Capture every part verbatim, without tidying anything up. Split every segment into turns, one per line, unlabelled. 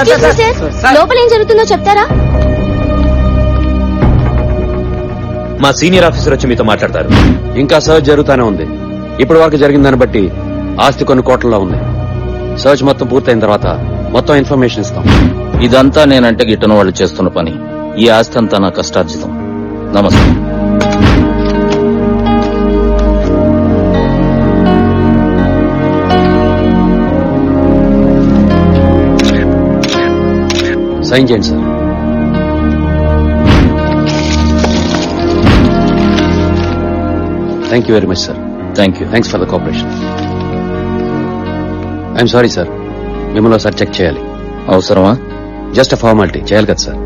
లోపల ఏం జరుగుతుందో చెప్తారా?
మా సీనియర్ ఆఫీసర్ వచ్చి మీతో మాట్లాడతారు.
ఇంకా సర్చ్ జరుగుతూనే ఉంది. ఇప్పటి వరకు జరిగిన దాన్ని బట్టి ఆస్తి కొన్ని కోట్లలో ఉంది. సర్చ్ మొత్తం పూర్తయిన తర్వాత మొత్తం ఇన్ఫర్మేషన్ ఇస్తాం.
ఇదంతా నేనంటే గిట్టన వాళ్ళు చేస్తున్న పని. ఈ ఆస్తి అంతా నా కష్టార్జితం. నమస్తే.
సైన్ చేయండి sir. Thank you very much sir.
Thank you.
Thanks for the cooperation. I'm sorry sir, మిమ్మల్ని ఒకసారి చెక్ చేయాలి.
అవసరమా?
Just a formality. చేయాలి కదా సార్.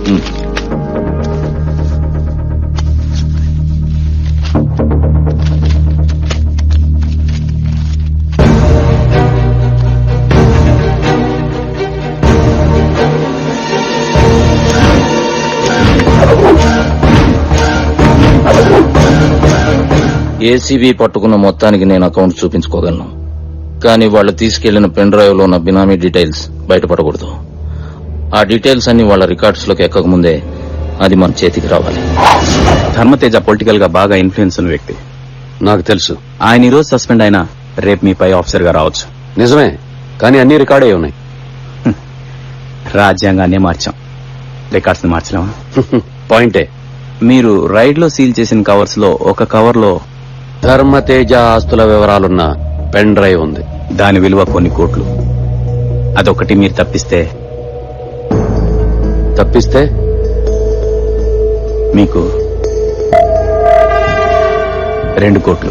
ఏసీబీ పట్టుకున్న మొత్తానికి నేను అకౌంట్ చూపించుకోగలను, కానీ వాళ్ళు తీసుకెళ్లిన పెన్ డ్రైవ్ లో ఉన్న బినామీ డీటెయిల్స్ బయటపడకూడదు. ఆ డీటెయిల్స్ అన్ని వాళ్ళ రికార్డ్స్ లోకి ఎక్కక ముందే అది మన చేతికి రావాలి.
ధర్మతేజ పొలిటికల్ గా బాగా ఇన్ఫ్లుయెన్స్ ఉన్న వ్యక్తి.
నాకు తెలుసు.
ఆయన ఈ రోజు సస్పెండ్ అయినా రేపు మీ పై ఆఫీసర్ గా రావచ్చు.
నిజమే, కానీ అన్ని రికార్డ్ అయి ఉన్నాయి.
రాజ్యాంగాన్నే మార్చాం, రికార్డ్స్ ని మార్చలేమా?
పాయింటే.
మీరు రైడ్ లో సీల్ చేసిన కవర్స్ లో ఒక కవర్ లో
ధర్మతేజ ఆస్తుల వివరాలున్న పెన్ డ్రైవ్ ఉంది.
దాని విలువ కొన్ని కోట్లు. అదొకటి మీరు తప్పిస్తే
తప్పిస్తే
మీకు రెండు కోట్లు.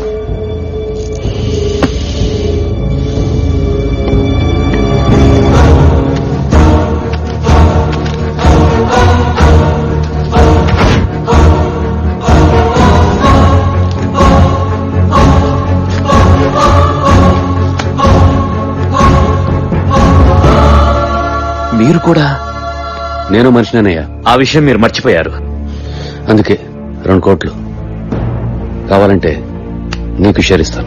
మీరు కూడా? నేను మనిషినేనయ్యా.
ఆ విషయం మీరు మర్చిపోయారు.
అందుకే రెండు కోట్లు కావాలంటే నీకు షేర్ ఇస్తాను.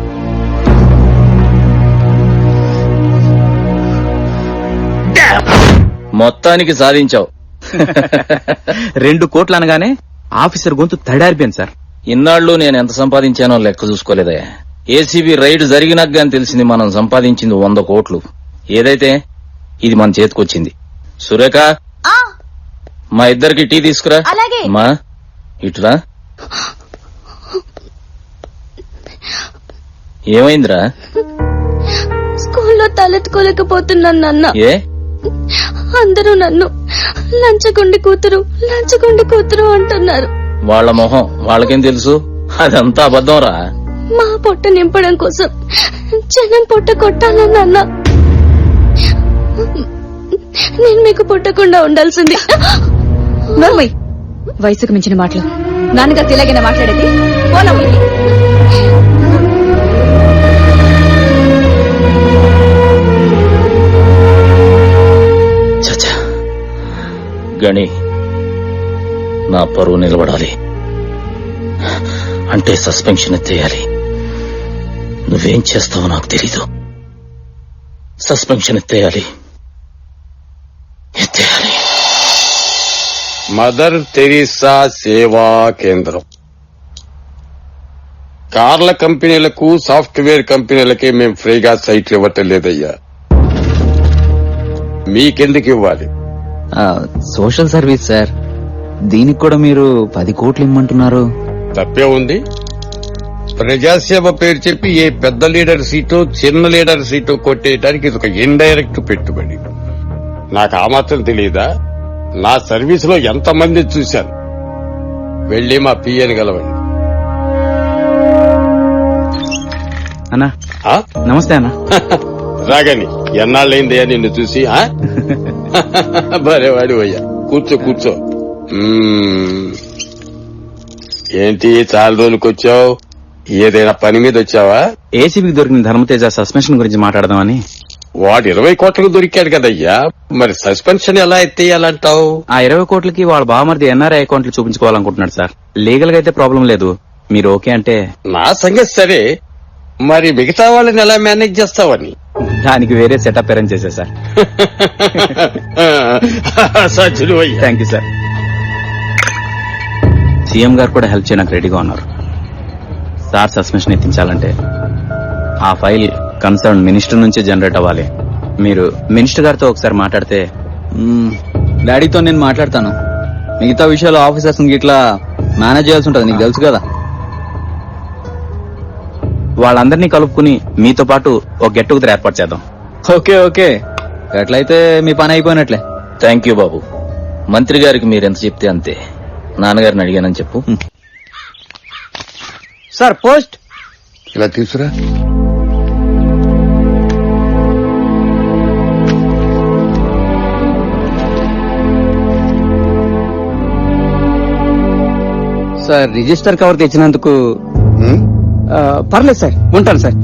మొత్తానికి సాధించావు.
రెండు కోట్లు అనగానే ఆఫీసర్ గొంతు తడారిపోయింది సార్.
ఇన్నాళ్లు నేను ఎంత సంపాదించానో లెక్క చూసుకోలేదా? ఏసీబీ రైడ్ జరిగినాక గాని తెలిసింది మనం సంపాదించింది వంద కోట్లు. ఏదైతే ఇది మన చేతికొచ్చింది. సురేఖ, మా ఇద్దరికి టీ తీసుకురా. మా ఇటురా. ఏమైందిరా?
స్కూల్లో తలెత్తుకోలేకపోతున్నాను నాన్న.
ఏ?
అందరూ నన్ను లంచగొండి కూతురు లంచగొండి కూతురు అంటున్నారు.
వాళ్ల మొహం వాళ్ళకేం తెలుసు? అదంతా అబద్ధం రా.
మా పొట్ట నింపడం కోసం జనం పొట్ట కొట్టాలన్నా నేను మీకు పుట్టకుండా ఉండాల్సింది.
నోర్మై, వయసుకు మించిన మాటలు. నాన్నగారు తిలాగైనా మాట్లాడేది?
చచ్చా, గణి, నా పరువు నిలబడాలి అంటే సస్పెన్షన్ ఎత్తేయాలి. నువ్వేం చేస్తావో నాకు తెలీదు. సస్పెన్షన్ ఎత్తేయాలి, ఎత్తేయాలి.
మదర్ తెరీసా సేవా కేంద్రం. కార్ల కంపెనీలకు సాఫ్ట్వేర్ కంపెనీలకే మేం ఫ్రీగా సైట్లు ఇవ్వటం లేదయ్యా. మీకెందుకు ఇవ్వాలి?
Social service sir. దీనికి కూడా మీరు పది కోట్లు ఇమ్మంటున్నారు.
తప్పే ఉంది? ప్రజాసేవ పేరు చెప్పి ఏ పెద్ద లీడర్ సీటు చిన్న లీడర్ సీటు కొట్టేయడానికి ఇది ఒక ఇండైరెక్ట్ పెట్టుబడి. నాకు ఆ మాత్రం తెలియదా? నా సర్వీస్ లో ఎంతమంది చూశాను. వెళ్లి మా పిఎని గలవండి.
అన్నా నమస్తే అన్నా.
రాగని ఎన్నాళ్ళైందయ్యా నిన్ను చూసి. భలేవాడి అయ్యా. కూర్చో కూర్చో. ఏంటి చాలా రోజులకు వచ్చావు? ఏదైనా పని మీద వచ్చావా?
ఏసీబీకి దొరికిన ధర్మతేజ సస్పెన్షన్ గురించి మాట్లాడదామని.
వాడు ఇరవై కోట్లకు దొరికాడు కదయ్యా, మరి సస్పెన్షన్ ఎలా ఎత్తేయాలంటావు?
ఆ ఇరవై కోట్లకి వాళ్ళ బావమరిది ఎన్ఆర్ఐ అకౌంట్లు చూపించుకోవాలనుకుంటున్నాడు సార్. లీగల్ గా అయితే ప్రాబ్లం లేదు, మీరు ఓకే అంటే.
నా సంగతి సరే, మరి మిగతా వాళ్ళని ఎలా మేనేజ్ చేస్తావని?
దానికి వేరే సెటప్ అరేంజ్ చేశా సార్.
సజ్జులు అయ్యా.
Thank you sir. సీఎం గారు కూడా హెల్ప్ చేయడానికి రెడీగా ఉన్నారు. సార్ సస్పెన్షన్ ఎత్తించాలంటే ఆ ఫైల్ కన్సర్న్ మినిస్టర్ నుంచే జనరేట్ అవ్వాలి. మీరు మినిస్టర్ గారితో ఒకసారి మాట్లాడితే. డాడీతో నేను మాట్లాడతాను. మిగతా విషయాలు ఆఫీసర్స్ ఇట్లా మేనేజ్ చేయాల్సి ఉంటుంది, నీకు తెలుసు కదా. వాళ్ళందరినీ కలుపుకుని మీతో పాటు ఒక గెట్ టుగెదర్ ఏర్పాటు చేద్దాం. ఓకే ఓకే, ఎట్లయితే మీ పని అయిపోయినట్లే.
థ్యాంక్ యూ బాబు. మంత్రి గారికి మీరు ఎంత చెప్తే అంతే. నాన్నగారిని అడిగానని చెప్పు.
Sir post.
ఇలా తీసురా.
సార్ రిజిస్టర్ కవర్ తెచ్చినందుకు
ఉమ్,
ఆ, పర్లేదు సార్, ఉంటాను సార్.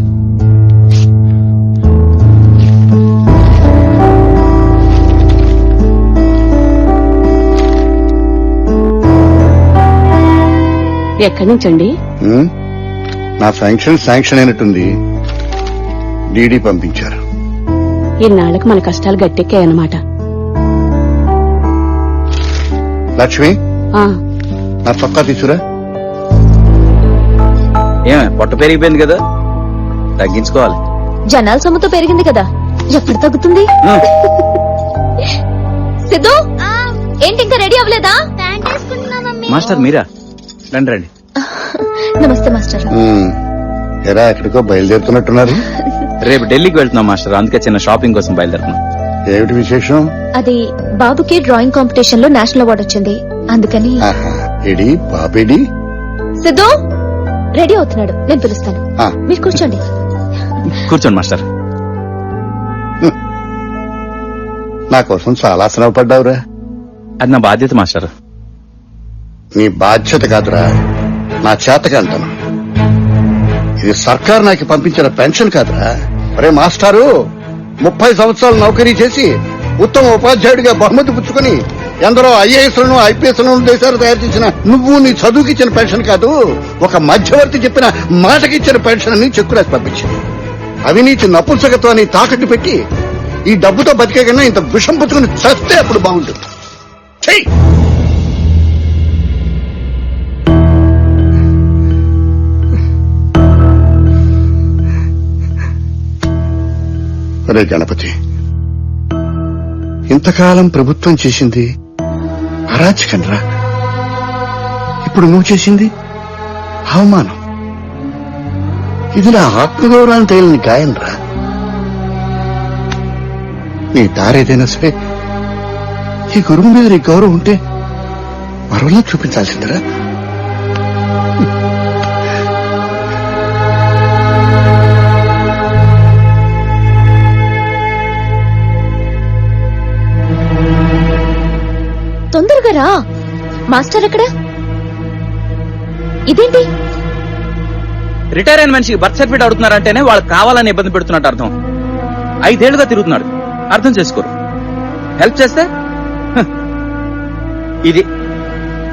ఎక్కడి నుంచండి?
ఉమ్. నా శాంక్షన్ శాంక్షన్ అయినట్టుంది. డీడీ పంపించారు.
ఇన్నాళ్ళకి మన కష్టాలు గట్టెక్కాయన్నమాట.
లక్ష్మి,
ఆ,
నా చొక్కా తీసురా.
ఏమే పొట్ట పెరిగిపోయింది కదా, తగ్గించుకోవాలి.
జనాల సొమ్ముతో పెరిగింది కదా, ఎప్పుడు తగ్గుతుంది? సిద్ధు, ఏంటి ఇంకా రెడీ అవ్వలేదా?
మాస్టర్ మీరా? రండి రండి.
నమస్తే మాస్టర్.
ఉమ్. ఎరా ఎక్కడికో బయలుదేరుతున్నట్టున్నారు.
రేపు ఢిల్లీకి వెళ్తున్నాం మాస్టర్, అందుకే చిన్న షాపింగ్ కోసం బయలుదేరుతున్నాం.
ఏమిటి విశేషం?
అది బాబుకి డ్రాయింగ్ కాంపిటీషన్ లో నేషనల్ అవార్డు వచ్చింది, అందుకని.
ఆహా, ఎడి పాపేడి?
సిద్ధు రెడీ అవుతున్నాడు, నేను పిలుస్తాను.
ఆ.
మీరు కూర్చోండి.
కూర్చోండి మాస్టర్.
నా కోసం చాలా శ్రమ పడ్డావురా.
అది నా బాధ్యత మాస్టర్.
నీ బాధ్యత కాదురా, నా చేతగా అంటాను. ఇది సర్కార్ నాకు పంపించిన పెన్షన్ కాదురా. అరే మాస్టారు, ముప్పై సంవత్సరాలు నౌకరీ చేసి ఉత్తమ ఉపాధ్యాయుడిగా బహుమతి పుచ్చుకొని ఎందరో ఐఏఎస్లను ఐపీఎస్లను దేశాలు తయారు చేసిన నువ్వు నీ చదువుకిచ్చిన పెన్షన్ కాదు, ఒక మధ్యవర్తి చెప్పిన మాటకిచ్చిన పెన్షన్ అని చెక్కు రాసి పంపించింది. అవినీతి నపుంసకత్వాన్ని తాకట్టు పెట్టి ఈ డబ్బుతో బతికే కన్నా ఇంత విషం పుచ్చుకుని చస్తే అప్పుడు బాగుంటుంది. చెయ్యి. అరే గణపతి, ఇంతకాలం ప్రభుత్వం చేసింది అరాచకం రా. ఇప్పుడు నువ్వు చేసింది అవమానం. ఇది నా ఆత్మగౌరవాన్ని తేలిన గాయం రా. నీ దారేదైనా సరే ఈ గురువు మీద నీ గౌరవం ఉంటే మరోలా చూపించాల్సిందిరా.
తొందరగా రా. మాస్టర్ ఎక్కడ? ఇదేంటి?
రిటైర్ అయిన మనిషికి బర్త్ సర్టిఫికేట్ అడుగుతున్నారంటేనే వాళ్ళకి కావాలని ఇబ్బంది పెడుతున్నట్టు అర్థం. ఐదేళ్లుగా తిరుగుతున్నాడు, అర్థం చేసుకోరు. హెల్ప్ చేస్తే హ, ఇది